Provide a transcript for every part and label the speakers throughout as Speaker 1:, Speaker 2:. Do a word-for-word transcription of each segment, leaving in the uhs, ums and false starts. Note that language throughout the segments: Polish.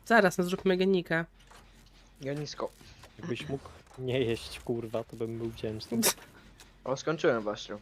Speaker 1: Zaraz, no zróbmy genika.
Speaker 2: Ja nisko.
Speaker 3: Jakbyś mógł nie jeść, kurwa, to bym był wdzięczny.
Speaker 2: O, skończyłem właśnie.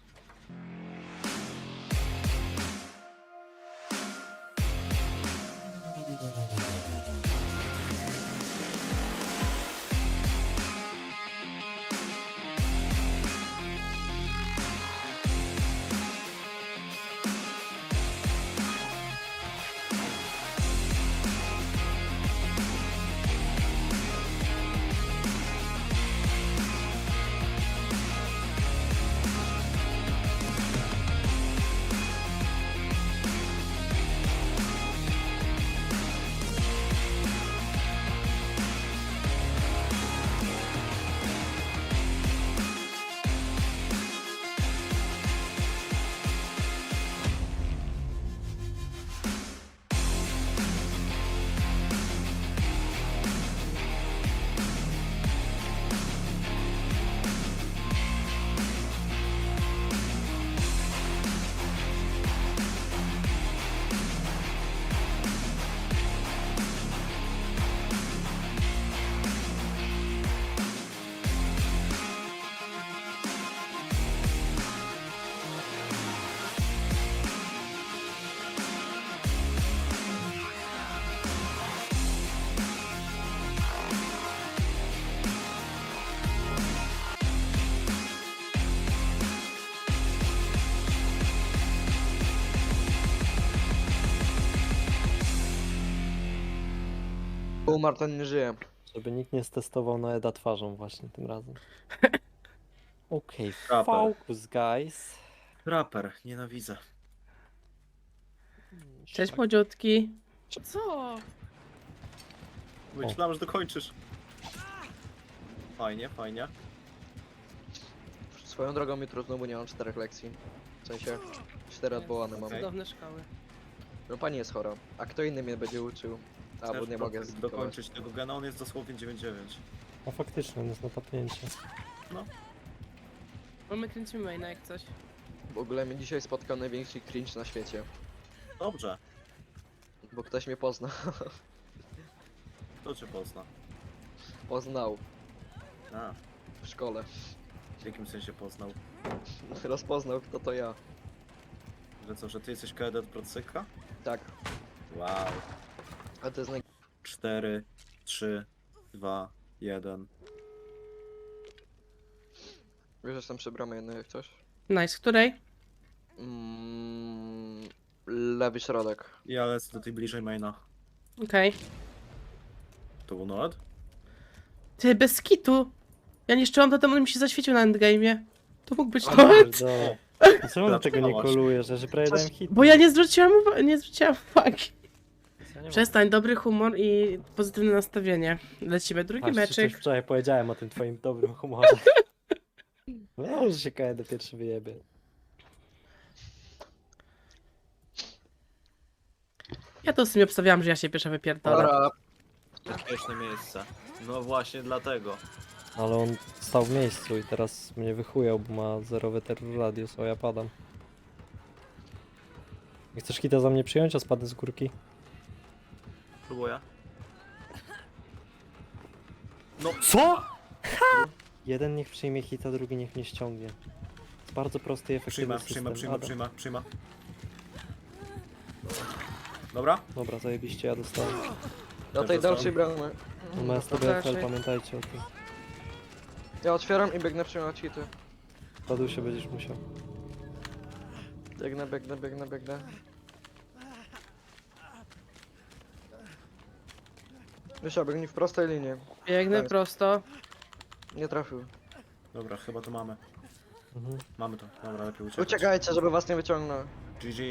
Speaker 2: Umarł, ten nie żyje.
Speaker 3: Żeby nikt nie stestował na Eda twarzą właśnie tym razem. Okej,
Speaker 4: Raper.
Speaker 3: focus guys.
Speaker 4: Raper, nienawidzę.
Speaker 1: Cześć młodziutki. Co?
Speaker 4: Myślałem, że dokończysz. Fajnie, fajnie.
Speaker 2: Swoją drogą jutro znowu nie mam czterech lekcji. W sensie, cztery odwołane mam.
Speaker 4: Okej.
Speaker 1: Cudowne szkoły.
Speaker 2: No pani jest chora. A kto inny mnie będzie uczył? A, bo
Speaker 4: Chcesz
Speaker 2: nie
Speaker 4: do-
Speaker 2: mogę zlikować.
Speaker 4: dokończyć tego gena, on jest dosłownie dziewięć dziewięć.
Speaker 3: A faktycznie, on jest na tapnięcie.
Speaker 1: Bo my kręcimy maina jak coś.
Speaker 2: W ogóle mnie dzisiaj spotkał największy cringe na świecie.
Speaker 4: Dobrze.
Speaker 2: Bo ktoś mnie pozna.
Speaker 4: Kto cię pozna?
Speaker 2: Poznał.
Speaker 4: A,
Speaker 2: W szkole.
Speaker 4: w jakim sensie poznał?
Speaker 2: Rozpoznał, kto to ja.
Speaker 4: Że co, że ty jesteś kadet Procyka?
Speaker 2: Tak.
Speaker 4: Wow.
Speaker 2: A to jest naj...
Speaker 4: cztery, trzy, dwa, jeden.
Speaker 2: Wiesz, że jestem przy bramie jednej jak coś?
Speaker 1: Nice, której?
Speaker 2: Mm, lewy środek.
Speaker 4: Ja lecę do tej bliżej maina.
Speaker 1: Okej.
Speaker 4: To był Noed?
Speaker 1: Ty, bez kitu. Ja niszczyłam to, on mi się zaświecił na endgame'ie. To mógł być
Speaker 2: O,
Speaker 1: to.
Speaker 3: Pierdolę. Czemu na tego nie
Speaker 4: Zaczynałaś.
Speaker 3: kolujesz? Ja że prawie dałem hit.
Speaker 1: Bo ja nie zwróciłam uwagi, nie zwróciłam uwagi.
Speaker 3: Ja nie
Speaker 1: Przestań, dobry humor i pozytywne nastawienie. Lecimy, drugi
Speaker 3: Patrz, ci coś
Speaker 1: meczyk.
Speaker 3: wczoraj powiedziałem o tym twoim dobrym humorze. No, że się K D pierwszy wyjebie.
Speaker 1: Ja to w sumie obstawiałam, że ja się pierwsza wypierdolę.
Speaker 2: Dobra,
Speaker 4: Bezpieczne miejsce. No właśnie dlatego.
Speaker 3: Ale on stał w miejscu i teraz mnie wychujał, bo ma zerowy terror radius, o ja padam. Nie chcesz hita za mnie przyjąć, a spadnę z górki?
Speaker 4: Próbuję.
Speaker 3: No co?! Ha! Jeden niech przyjmie hita, drugi niech mnie ściągnie. Jest bardzo prosty i efektywny
Speaker 4: Przyjma,
Speaker 3: system.
Speaker 4: przyjma, przyjma,
Speaker 3: Adam.
Speaker 4: przyjma, przyjma. Dobra?
Speaker 3: Dobra, zajebiście, ja dostałem.
Speaker 2: do tej dalszej bramy.
Speaker 3: No ma S T B F L, pamiętajcie o tym.
Speaker 2: Ja otwieram i biegnę przyjmować hity.
Speaker 3: Padu się będziesz musiał.
Speaker 2: Biegnę, biegnę, biegnę, biegnę. Wiesz, biegnij w prostej linii.
Speaker 1: Biegnę
Speaker 2: Tak.
Speaker 1: prosto.
Speaker 2: Nie trafił.
Speaker 4: Dobra, chyba to mamy.
Speaker 3: Mhm.
Speaker 4: Mamy to. Dobra, lepiej uciekać.
Speaker 2: Uciekajcie, żeby was nie wyciągnął.
Speaker 4: G G.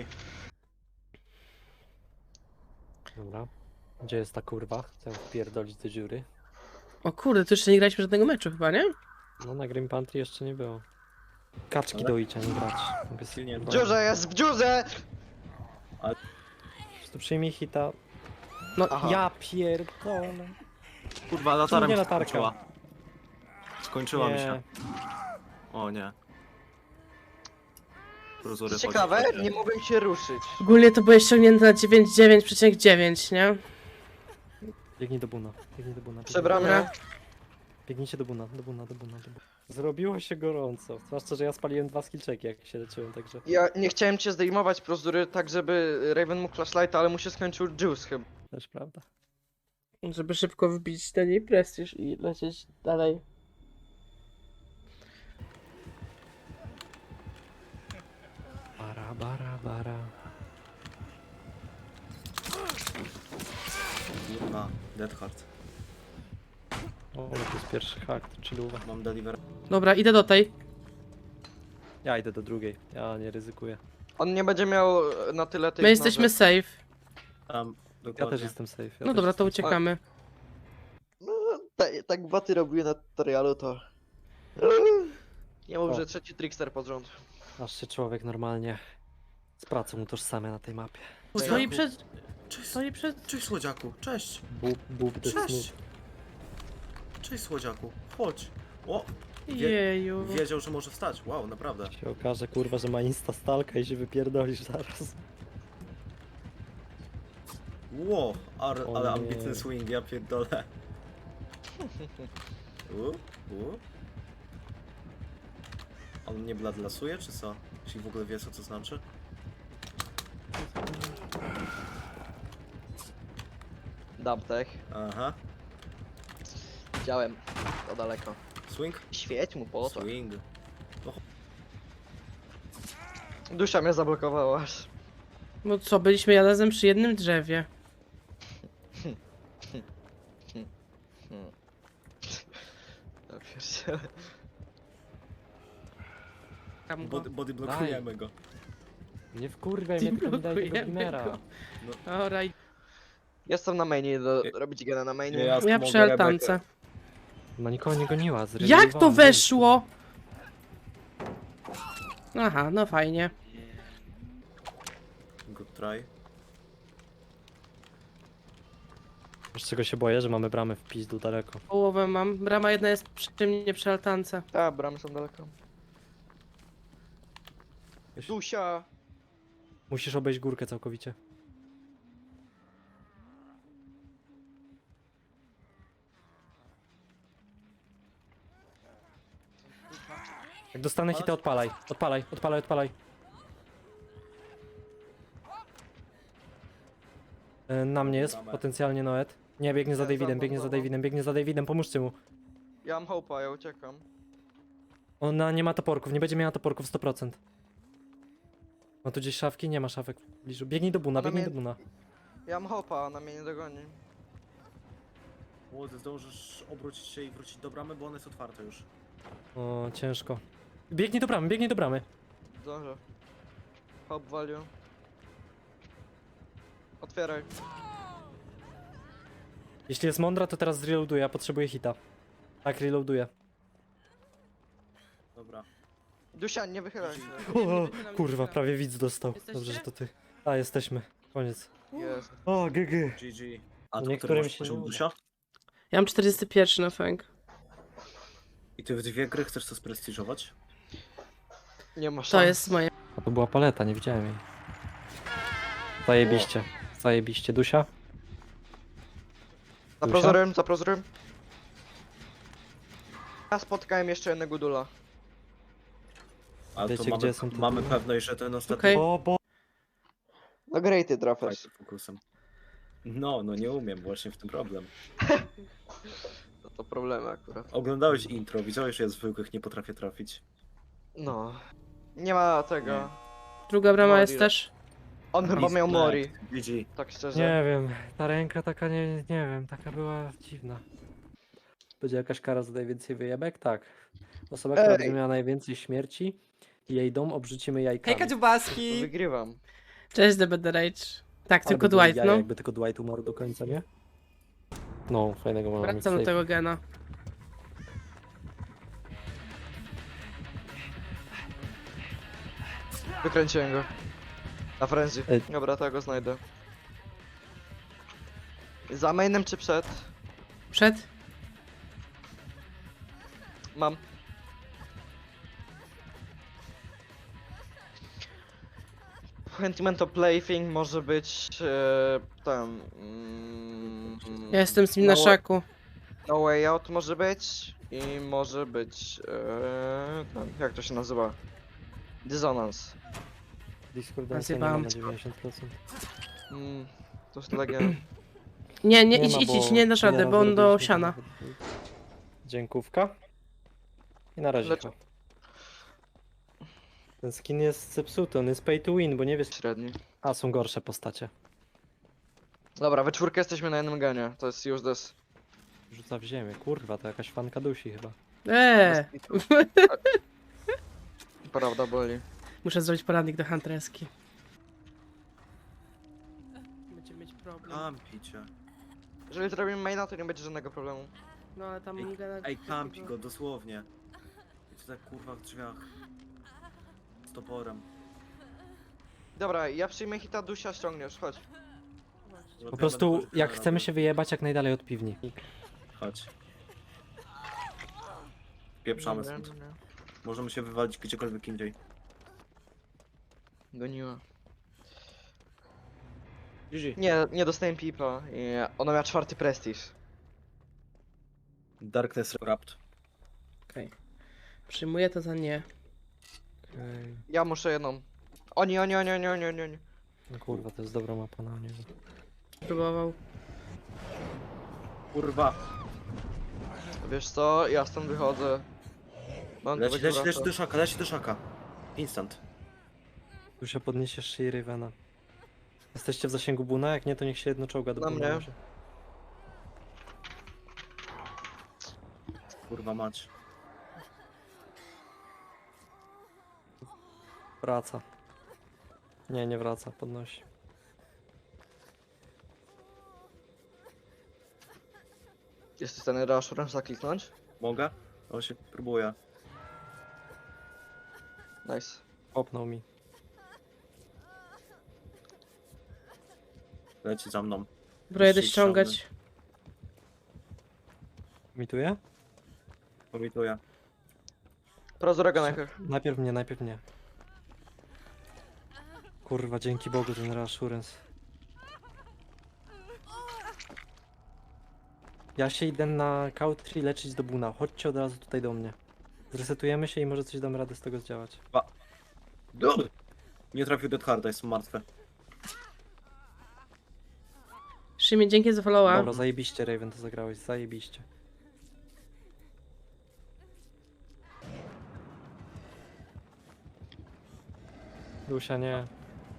Speaker 3: Dobra. Gdzie jest ta kurwa? Chcę wpierdolić do dziury.
Speaker 1: O kurde, to jeszcze nie graliśmy żadnego meczu chyba, nie?
Speaker 3: No na Grim Pantry jeszcze nie było. Kaczki
Speaker 4: Ale-
Speaker 3: do icia, nie grać. Mogę
Speaker 4: Silnie
Speaker 2: W dziurze jest, w dziurze!
Speaker 3: Po prostu przyjmij hita.
Speaker 1: No,
Speaker 2: Aha.
Speaker 3: Ja pierdolę.
Speaker 4: Kurwa, latarem
Speaker 3: Nie
Speaker 4: się
Speaker 3: latarka.
Speaker 4: skończyła. Skończyła mi
Speaker 3: Nie.
Speaker 4: się. O nie. Prozury
Speaker 2: Ciekawe,
Speaker 4: chodzi, chodzi.
Speaker 2: nie mogłem się ruszyć.
Speaker 1: ogólnie to byłeś ściągnięty na dziewięćdziesiąt dziewięć przecinek dziewięć, nie?
Speaker 3: Biegnij do buna, biegnij do buna. biegnij.
Speaker 2: Przebramie.
Speaker 1: Dobra.
Speaker 3: Biegnijcie do buna, do buna, do buna, do buna. Zrobiło się gorąco, zwłaszcza, że ja spaliłem dwa skillczeki, jak się leczyłem, także...
Speaker 2: Ja nie chciałem cię zdejmować prozury tak, żeby Raven mógł flashlighta, ale mu się skończył juice chyba.
Speaker 3: Też prawda.
Speaker 1: Żeby szybko wbić ten jej prestiż i lecieć dalej.
Speaker 3: Bara, bara, bara.
Speaker 4: Kurwa, Dead Hard.
Speaker 3: O, to jest pierwszy hack, to chilluwa.
Speaker 4: Mam deliver.
Speaker 1: Dobra, idę do tej.
Speaker 3: Ja idę do drugiej, ja nie ryzykuję.
Speaker 2: On nie będzie miał na tyle tych
Speaker 1: My jesteśmy
Speaker 2: noży.
Speaker 1: safe.
Speaker 4: Tam,
Speaker 3: Ja
Speaker 4: dokładnie.
Speaker 3: też jestem safe. Ja
Speaker 1: No
Speaker 3: też
Speaker 1: dobra, to
Speaker 3: jestem
Speaker 1: uciekamy.
Speaker 2: No, tak, tak baty robiły na tutorialu, to... Nie mów,
Speaker 3: O.
Speaker 2: że trzeci trickster pod rząd.
Speaker 3: safe. Aż się człowiek normalnie z pracą utożsamia na tej mapie.
Speaker 1: Stoi przed...
Speaker 4: Cześć,
Speaker 1: Stoi przed...
Speaker 4: cześć słodziaku, cześć.
Speaker 3: Bób, bób, the
Speaker 4: Cześć.
Speaker 3: smooth.
Speaker 4: Cześć słodziaku, chodź. O, Wie-
Speaker 1: Jeju.
Speaker 4: wiedział, że może wstać. Wow, naprawdę.
Speaker 3: Się okaże, kurwa, że ma insta stalka i się wypierdolisz zaraz.
Speaker 4: Wow, ar,
Speaker 3: O
Speaker 4: ale
Speaker 3: nie.
Speaker 4: ambitny swing, ja pierdolę. U, u. On mnie bladlasuje, czy co? Jeśli w ogóle wie, co to znaczy?
Speaker 2: Dubtech.
Speaker 4: Aha.
Speaker 2: Widziałem. To daleko.
Speaker 4: Swing?
Speaker 2: Świeć mu po oczach.
Speaker 4: Swing.
Speaker 2: Dusza mnie zablokowała aż.
Speaker 1: No co, byliśmy razem przy jednym drzewie.
Speaker 2: Ja pierdzielę.
Speaker 1: Tam go.
Speaker 4: Body, body blokujemy go.
Speaker 3: Nie wkurwiaj mnie, tylko mi daj tego
Speaker 1: Blokujemy
Speaker 3: gimera.
Speaker 1: go. Alright.
Speaker 2: Jestem na mainie, do, robić gena na mainie.
Speaker 4: Ja-
Speaker 1: Ja
Speaker 4: mogę
Speaker 1: przy altance.
Speaker 3: No nikogo nie goniła,
Speaker 1: Jak to
Speaker 3: zrezygnowała.
Speaker 1: weszło? Aha, no fajnie.
Speaker 4: Good try.
Speaker 3: Wiesz czego się boję, że mamy bramę w pizdu daleko.
Speaker 1: Połowę mam. Brama jedna jest przy mnie przy altance.
Speaker 2: Tak, bramy są daleko. Dusia!
Speaker 3: Musisz obejść górkę całkowicie. Jak dostanę hita, odpalaj. Odpalaj, odpalaj, odpalaj. E, Na mnie jest, potencjalnie Noet. Nie, biegnie za
Speaker 2: Nie,
Speaker 3: Davidem,
Speaker 2: za
Speaker 3: biegnie za
Speaker 2: mną, za mną.
Speaker 3: Davidem, biegnie za Davidem, pomóżcie mu.
Speaker 2: Ja mam hopa, ja uciekam.
Speaker 3: Ona nie ma toporków, nie będzie miała toporków sto procent. Ma tu gdzieś szafki? Nie ma szafek w pobliżu. Biegnij do buna,
Speaker 2: Ona
Speaker 3: biegnij
Speaker 2: mnie-
Speaker 3: do buna.
Speaker 2: Ja mam hopa, ona mnie nie dogoni.
Speaker 4: Młody, zdążysz obrócić się i wrócić do bramy, bo ona jest otwarta już.
Speaker 3: O, ciężko. Biegnij do bramy, biegnij do bramy.
Speaker 2: Zdążę. Hop value. Otwieraj.
Speaker 3: Jeśli jest mądra, to teraz zreloaduję, ja potrzebuję hita. Tak, reloaduję.
Speaker 4: Dobra.
Speaker 2: Dusia, nie wychylaj się.
Speaker 3: O, kurwa, prawie widz dostał.
Speaker 1: Jesteście?
Speaker 3: Dobrze, że to ty. A, jesteśmy. Koniec.
Speaker 2: Jest.
Speaker 3: O, G G.
Speaker 4: G G. A to
Speaker 3: Niektórym
Speaker 4: który masz
Speaker 3: się
Speaker 4: poziom
Speaker 3: nie uda.
Speaker 4: Dusia?
Speaker 1: Ja mam czterdzieści jeden na fang.
Speaker 4: I ty w dwie gry chcesz to sprestiżować?
Speaker 2: Nie ma szans.
Speaker 1: To jest moje.
Speaker 3: A to była paleta, nie widziałem jej. Zajebiście. Zajebiście. Dusia?
Speaker 2: Za
Speaker 3: Dusia?
Speaker 2: prozorem, za prozorem. Ja spotkałem jeszcze jednego dula.
Speaker 4: Ale
Speaker 3: Wiecie,
Speaker 4: to mamy,
Speaker 3: gdzie są te
Speaker 4: mamy
Speaker 3: dwie?
Speaker 4: pewność, że ten ostatni
Speaker 1: Okej.
Speaker 3: O, bo...
Speaker 2: No greaty trafiasz.
Speaker 4: fight fokusem. No, no nie umiem, właśnie w tym problem.
Speaker 2: To, to problemy akurat.
Speaker 4: Oglądałeś intro, widziałeś, że ja zwykłych nie potrafię trafić.
Speaker 2: No. Nie ma tego.
Speaker 1: Druga brama
Speaker 2: Mori.
Speaker 1: jest też.
Speaker 2: On chyba miał Mori,
Speaker 4: G G.
Speaker 2: tak szczerze.
Speaker 3: Nie wiem, ta ręka taka nie, nie wiem, taka była dziwna. Będzie jakaś kara za najwięcej wyjebek? Tak. Osoba, która
Speaker 2: Ej.
Speaker 3: będzie miała najwięcej śmierci, jej dom obrzucimy jajkami.
Speaker 5: Hejka dziubaski!
Speaker 2: Wygrywam.
Speaker 1: Cześć, The Better Rage. Tak,
Speaker 3: Ale
Speaker 1: tylko
Speaker 3: by były
Speaker 1: Dwight,
Speaker 3: jaja,
Speaker 1: no.
Speaker 3: Jakby tylko Dwight umarł do końca, nie? No, fajnego mamy.
Speaker 1: Wracam do tego gena.
Speaker 2: Wykręciłem go. Na frenzy.
Speaker 3: Ej.
Speaker 2: Dobra, to ja go znajdę. Za mainem czy przed?
Speaker 1: Przed?
Speaker 2: Mam. Sentimento Plaything może być e, tam. Mm, Mm,
Speaker 1: Ja jestem z nim na
Speaker 2: No,
Speaker 1: szaku.
Speaker 2: No Way Out może być i może być... Yy, ten, jak to się nazywa? Dissonance.
Speaker 3: Discordancja nie ma
Speaker 1: Zjebałam.
Speaker 3: na dziewięćdziesiąt procent.
Speaker 2: Mm, to jest Legion.
Speaker 1: Nie, nie, idź,
Speaker 3: ma,
Speaker 1: idź, idź,
Speaker 3: bo
Speaker 1: nie dasz rady,
Speaker 3: nieraz
Speaker 1: bo on do
Speaker 3: zrobiliśmy
Speaker 1: siana.
Speaker 3: to nawet. Dziękówka. I na razie.
Speaker 2: Dlaczego?
Speaker 3: Ten skin jest zepsuty, on jest pay to win, bo nie wiesz...
Speaker 2: Średni.
Speaker 3: A, są gorsze postacie.
Speaker 2: Dobra, we czwórkę jesteśmy na jednym genie, to jest useless.
Speaker 3: Rzuca w ziemię, kurwa, to jakaś fanka dusi chyba.
Speaker 1: Eee,
Speaker 2: Prawda boli.
Speaker 1: muszę zrobić poradnik do Huntreski. Będziemy mieć problem.
Speaker 4: Kampicie.
Speaker 2: Jeżeli zrobimy maina, to nie będzie żadnego problemu.
Speaker 1: No ale tam...
Speaker 4: Ej,
Speaker 1: gada-
Speaker 4: Ej, kampi go, dosłownie. I to tak kurwa w drzwiach. Z toporem.
Speaker 2: Dobra, ja przyjmę hita, Dusia ściągniesz, chodź.
Speaker 3: Po prostu, jak chcemy się wyjebać jak najdalej od piwni.
Speaker 4: Chodź. Pieprzamy
Speaker 2: Nie,
Speaker 4: stąd.
Speaker 2: nie, nie.
Speaker 4: Możemy się wywalić gdziekolwiek indziej.
Speaker 2: Goniła.
Speaker 4: G G.
Speaker 2: Nie, nie dostałem pipa i ona miała czwarty prestiż.
Speaker 4: Darkness Wrapped.
Speaker 1: Okej. Przyjmuję to za nie.
Speaker 3: Okej.
Speaker 2: Ja muszę jedną. Oni, oni, oni, oni, oni, oni, oni.
Speaker 3: No kurwa, to jest dobra mapa na niego.
Speaker 1: Próbował.
Speaker 4: Kurwa.
Speaker 2: Wiesz co, ja stąd wychodzę. Mam
Speaker 4: Leci,
Speaker 2: będzie
Speaker 4: leci, leci
Speaker 2: wracał.
Speaker 4: do szaka, leci do szaka. Instant.
Speaker 3: Tu się podniesiesz się i Ravena. Jesteście w zasięgu Buna? Jak nie, to niech się jedno czołga do
Speaker 2: Na
Speaker 3: Buna.
Speaker 2: mnie.
Speaker 3: może.
Speaker 4: Kurwa mać.
Speaker 3: Wraca. Nie, nie wraca, podnosi.
Speaker 2: Jesteś w stanie reassurance'a kliknąć?
Speaker 4: Mogę? O się próbuję.
Speaker 2: Nice.
Speaker 3: Popnął mi.
Speaker 4: Leci za mną.
Speaker 1: Dobra, jedę
Speaker 4: Ściągnę.
Speaker 1: ściągać.
Speaker 3: Mituje?
Speaker 4: Pomituję.
Speaker 2: Prozorego najpierw.
Speaker 3: Najpierw mnie, najpierw mnie. Kurwa, dzięki Bogu ten reassurance. Ja się idę na country leczyć do Buna. Chodźcie od razu tutaj do mnie. Zresetujemy się i może coś damy radę z tego zdziałać.
Speaker 4: Dobry. Nie trafił Dead Harda, jestem martwy.
Speaker 1: Szymie, dzięki za followa.
Speaker 3: Dobra, zajebiście Raven to zagrałeś, zajebiście. Dusia nie.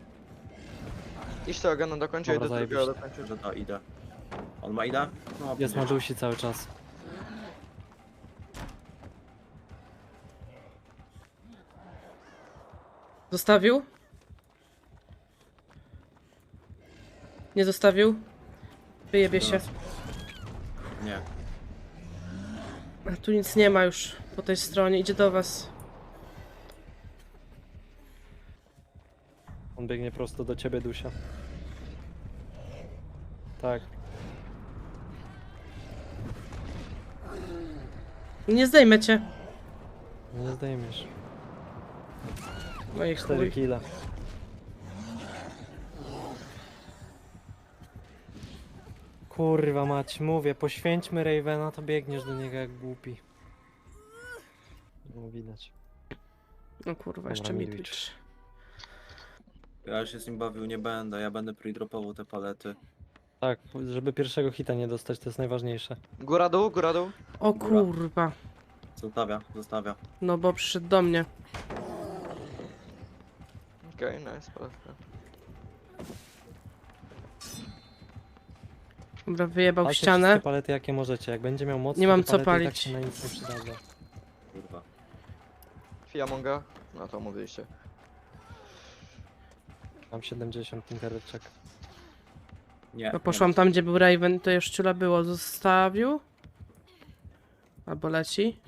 Speaker 2: Idź tego gena dokończę i
Speaker 3: Dobra,
Speaker 2: do drugiego
Speaker 3: zajebiście.
Speaker 2: dokończę.
Speaker 4: Że da, idę. On ma ida? No,
Speaker 3: Jest na
Speaker 4: będzie.
Speaker 3: Dusi cały czas.
Speaker 1: Zostawił? Nie zostawił? Wyjebie się.
Speaker 4: Nie.
Speaker 1: A tu nic nie ma już po tej stronie. Idzie do was.
Speaker 3: On biegnie prosto do ciebie, Dusia. Tak.
Speaker 1: Nie zdejmę cię.
Speaker 3: Nie zdejmiesz.
Speaker 1: Moje
Speaker 3: Cztery
Speaker 1: chuj.
Speaker 3: kile. Kurwa mać, mówię, poświęćmy Ravena, to biegniesz do niego jak głupi. No widać.
Speaker 1: No kurwa, jeszcze
Speaker 3: Dobra,
Speaker 1: mi
Speaker 3: Midwich.
Speaker 1: twitch.
Speaker 4: Ja się z nim bawił nie będę, ja będę pre-dropował te palety.
Speaker 3: Tak, żeby pierwszego hita nie dostać, to jest najważniejsze.
Speaker 2: Góra dół, góra dół.
Speaker 1: O
Speaker 4: Góra.
Speaker 1: kurwa.
Speaker 4: Zostawia, zostawia.
Speaker 1: No bo przyszedł do mnie.
Speaker 2: Okej, okay, nice, palewka.
Speaker 1: Dobra, wyjebał
Speaker 3: Palcie
Speaker 1: ścianę.
Speaker 3: wszystkie palety jakie możecie, jak będzie miał moc,
Speaker 1: Nie
Speaker 3: to
Speaker 1: mam
Speaker 3: te
Speaker 1: co
Speaker 3: palety i tak
Speaker 1: palić.
Speaker 3: się na nic nie przydadzą.
Speaker 4: Kurwa.
Speaker 2: Fiamonga. No to mówiliście.
Speaker 3: Mam siedemdziesiąt interczek.
Speaker 4: Nie.
Speaker 1: No poszłam tam, gdzie był Raven, to już ciula było. Zostawił? Albo leci?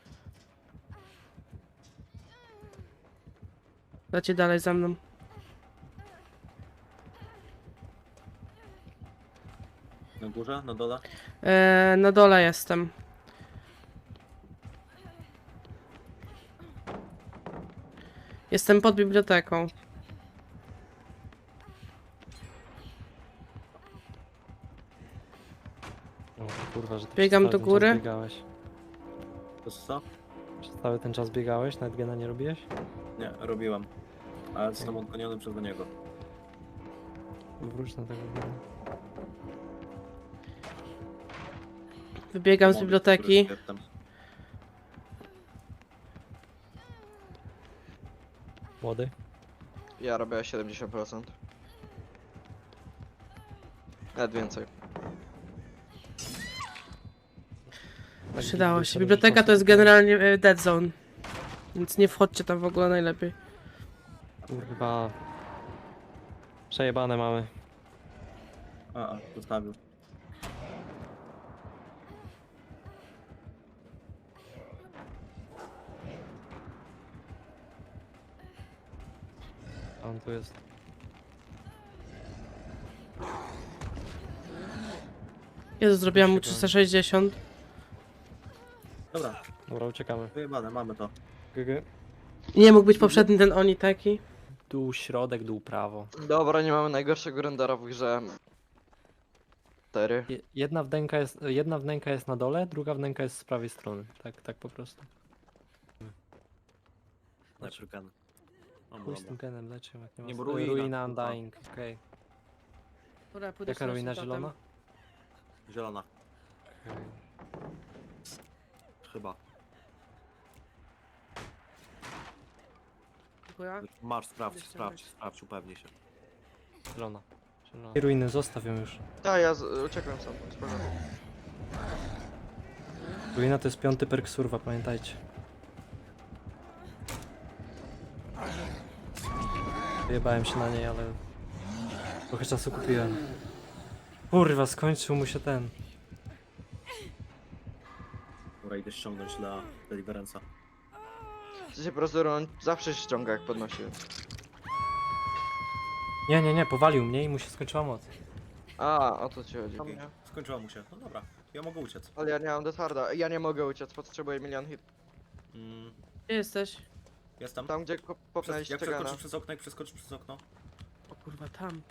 Speaker 1: Leci dalej za mną.
Speaker 4: Na górze, na dole?
Speaker 1: Eee, na dole jestem. Jestem pod biblioteką.
Speaker 3: O, kurwa, że ty
Speaker 1: Biegam
Speaker 3: przez cały
Speaker 1: do
Speaker 3: ten
Speaker 1: góry.
Speaker 3: czas biegałeś.
Speaker 4: To co?
Speaker 3: Przez cały ten czas biegałeś? Nawet gena nie robiłeś?
Speaker 4: Nie, robiłem. Ale zostałem odgoniony przez niego.
Speaker 3: Wróć na tego gena.
Speaker 1: Wybiegam z
Speaker 4: Młody,
Speaker 1: biblioteki.
Speaker 4: który tam-
Speaker 3: Młody?
Speaker 2: Ja robię siedemdziesiąt procent. Nawet więcej.
Speaker 3: Tak,
Speaker 1: Przydało
Speaker 3: widzę,
Speaker 1: się.
Speaker 3: że
Speaker 1: Biblioteka
Speaker 3: robisz
Speaker 1: to jest
Speaker 3: mocno.
Speaker 1: generalnie e, dead zone. Więc nie wchodźcie tam w ogóle najlepiej.
Speaker 3: Kurwa. Przejebane mamy.
Speaker 4: A, a, zostawił.
Speaker 3: A on tu jest.
Speaker 1: Jezu, zrobiłam mu
Speaker 3: Uciekam.
Speaker 1: trzysta sześćdziesiąt.
Speaker 4: Dobra,
Speaker 3: Dobra, uciekamy.
Speaker 4: wyjebane, mamy to.
Speaker 3: G -g.
Speaker 1: Nie mógł być poprzedni ten oni taki.
Speaker 3: Dół środek, dół prawo.
Speaker 2: Dobra, nie mamy najgorszego rendera w grze. cztery.
Speaker 3: Je- Jedna wnęka jest, jedna wnęka jest na dole, druga wnęka jest z prawej strony. Tak, tak po prostu.
Speaker 4: Najpierw gen. O,
Speaker 3: Chuj z
Speaker 4: dobra.
Speaker 3: tym genem leczę, jak nie ma
Speaker 4: Nie,
Speaker 3: sensu.
Speaker 4: bo ruina,
Speaker 3: Ruina
Speaker 4: kurwa.
Speaker 3: Undying, okej.
Speaker 1: Dobra, pójdę
Speaker 3: Jaka
Speaker 1: sobie
Speaker 3: ruina
Speaker 1: potem.
Speaker 3: zielona?
Speaker 4: Zielona,
Speaker 3: Okej.
Speaker 4: chyba.
Speaker 1: Dziękuję.
Speaker 4: Masz, sprawdź,
Speaker 1: Jeszcze
Speaker 4: sprawdź,
Speaker 1: weź.
Speaker 4: sprawdź, upewnij się.
Speaker 3: Zielona. Zielona. I ruiny, zostaw ją już.
Speaker 2: Tak, ja z- uciekłem sam. Spokojnie.
Speaker 3: Ruina to jest piąty perk surwa, pamiętajcie. Wyjebałem się na niej, ale trochę czasu kupiłem. Kurwa, skończył mu się ten.
Speaker 4: Dobra, idę ściągnąć dla Deliverance'a.
Speaker 2: W sensie po prostu on zawsze się ściąga jak podnosi.
Speaker 3: Nie, nie, nie, powalił mnie i mu się skończyła moc.
Speaker 2: A, o to ci chodzi.
Speaker 4: Okej, skończyła mu się. No dobra, ja mogę uciec.
Speaker 2: Ale ja nie mam detarda. Ja nie mogę uciec, potrzebuję milion hit.
Speaker 4: Mm,
Speaker 1: Gdzie jesteś?
Speaker 4: jestem.
Speaker 2: Tam gdzie ko-
Speaker 4: Przez,
Speaker 2: popnęliście
Speaker 4: jak
Speaker 2: gana.
Speaker 4: przeskoczysz przez okno, jak przeskoczysz przez okno.
Speaker 1: O kurwa, tam.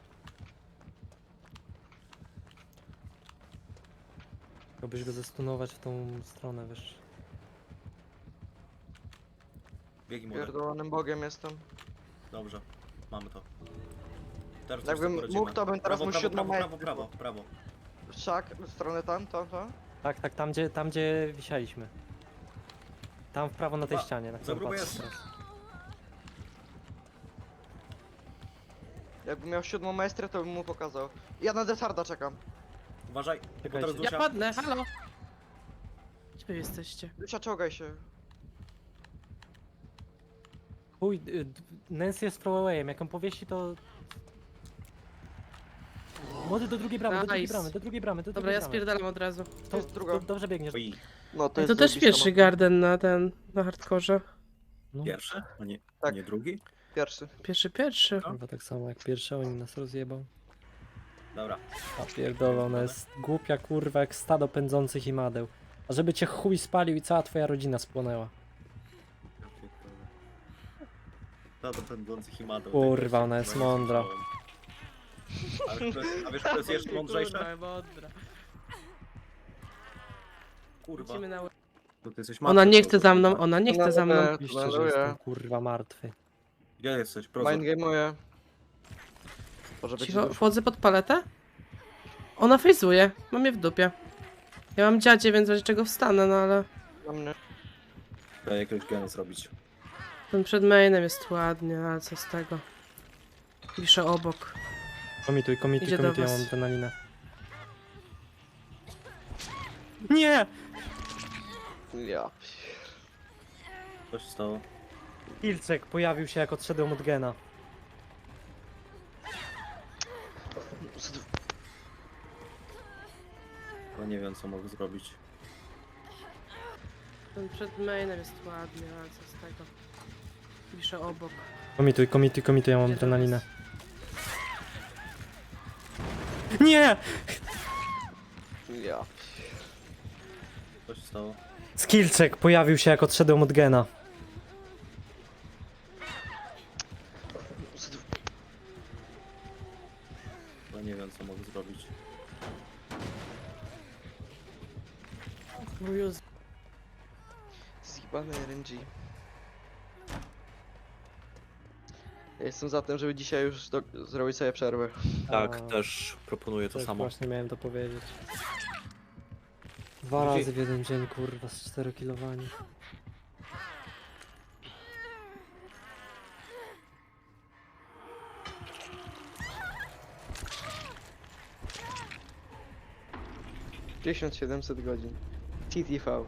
Speaker 3: Chciałbyś go zestunować w tą stronę, wiesz.
Speaker 4: Biegnij młody.
Speaker 2: Pierdolonym bogiem jestem.
Speaker 4: Dobrze, mamy to. Teraz coś
Speaker 2: Jakbym
Speaker 4: sobie poradzimy.
Speaker 2: mógł, to bym teraz
Speaker 4: prawo,
Speaker 2: mu
Speaker 4: prawo,
Speaker 2: siódmą
Speaker 4: prawo, prawo,
Speaker 2: majtkę
Speaker 4: prawo, prawo.
Speaker 2: Wszak, w stronę tam, to, to.
Speaker 3: Tak, tak, tam gdzie, tam gdzie wisialiśmy. Tam w prawo na tej
Speaker 4: Chyba
Speaker 3: ścianie, na
Speaker 4: za
Speaker 3: którą
Speaker 4: grubo
Speaker 3: patrzę
Speaker 4: jest.
Speaker 3: teraz.
Speaker 2: Jakbym miał siódmą maestrę, to bym mu pokazał. Ja na detarda czekam.
Speaker 4: Uważaj, bo
Speaker 3: Czekajcie.
Speaker 4: teraz
Speaker 1: Ja
Speaker 4: Dusia.
Speaker 1: padnę, halo! Gdzie wy jesteście?
Speaker 2: Lucia, czołgaj się.
Speaker 3: Chuj, y, d- Nancy jest throwawayem, jak on powiesi to... Młody do drugiej bramy, do drugiej
Speaker 1: Nice.
Speaker 3: bramy, do drugiej bramy, do
Speaker 1: Dobra,
Speaker 3: drugiej
Speaker 1: ja
Speaker 3: bramy.
Speaker 1: spierdalam od razu.
Speaker 2: To jest druga.
Speaker 3: Do, dobrze biegniesz.
Speaker 4: Oj,
Speaker 2: No to
Speaker 1: To,
Speaker 2: jest
Speaker 1: to też
Speaker 2: zajebista
Speaker 1: pierwszy
Speaker 2: mapa.
Speaker 1: garden na ten, na hardkorze.
Speaker 3: No,
Speaker 4: pierwszy? A nie,
Speaker 2: Tak.
Speaker 4: nie drugi?
Speaker 2: Pierwszy.
Speaker 1: Pierwszy, pierwszy.
Speaker 3: kurwa, tak samo jak pierwszy, oni nas rozjebał.
Speaker 4: Dobra.
Speaker 3: A pierdolę, ona jest głupia kurwa jak stado pędzących imadeł. A żeby cię chuj spalił i cała twoja rodzina spłonęła.
Speaker 4: Ta do pędzących i madą.
Speaker 3: Kurwa, ona jest mądra.
Speaker 4: A wiesz, kto jest- a wiesz, kto jest jeszcze mądrzejszy?
Speaker 1: Kurwa, mądra.
Speaker 4: Kurwa.
Speaker 1: Lecimy na...
Speaker 4: To ty jesteś
Speaker 1: Ona
Speaker 4: martwy,
Speaker 1: nie
Speaker 4: to-
Speaker 1: chce za mną, ona nie chce za mną.
Speaker 2: Tuneluje,
Speaker 3: Oczywiście, że
Speaker 2: tuneluje.
Speaker 3: jestem kurwa martwy.
Speaker 4: Gdzie jesteś? Prozor.
Speaker 2: Mindgame'uję. Może być
Speaker 1: Cicho,
Speaker 2: dusz.
Speaker 1: wchodzę pod paletę? Ona fejzuje, mam je w dupie. Ja mam dziadzie, więc w razie czego wstanę, no ale...
Speaker 2: Na mnie.
Speaker 4: Trzeba jakiegoś gena zrobić.
Speaker 1: Ten przed mainem jest ładnie, ale co z tego? Piszę obok.
Speaker 3: Komituj, komituj,
Speaker 1: Idzie do
Speaker 3: komituj, ja
Speaker 1: was.
Speaker 3: mam adrenalinę. Nie!
Speaker 2: Ja.
Speaker 4: Co się stało?
Speaker 3: Ilczek pojawił się jak odszedłem od gena.
Speaker 4: Bo nie wiem co mogę zrobić.
Speaker 1: Ten przed mainem jest ładnie, ale co z tego? Piszę obok.
Speaker 3: Komituj, komituj, komituj, ja mam
Speaker 1: Idzie do
Speaker 3: adrenalinę.
Speaker 1: was.
Speaker 3: Nie!
Speaker 2: Ja.
Speaker 4: Co się stało?
Speaker 3: Skillczek pojawił się jak odszedłem od gena.
Speaker 4: Bo nie wiem co mogę zrobić.
Speaker 1: O Jezu.
Speaker 2: Zjebany R N G. Ja jestem za tym, żeby dzisiaj już do... zrobić sobie przerwę.
Speaker 4: Tak,
Speaker 3: A,
Speaker 4: też proponuję to
Speaker 3: też
Speaker 4: samo.
Speaker 3: właśnie miałem to powiedzieć. Dwa
Speaker 4: Gdzie-
Speaker 3: razy w jeden dzień, kurwa, z czterokilowani.
Speaker 2: tysiąc siedemset godzin. T T V.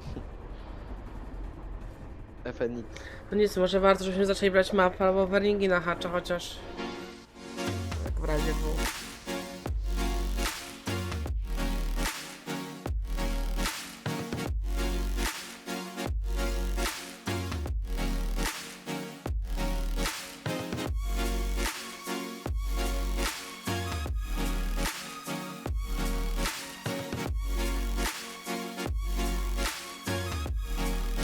Speaker 2: F N X.
Speaker 1: No nic, może warto, żebyśmy zaczęli brać mapę albo warningi na hacza chociaż. Jak w razie było.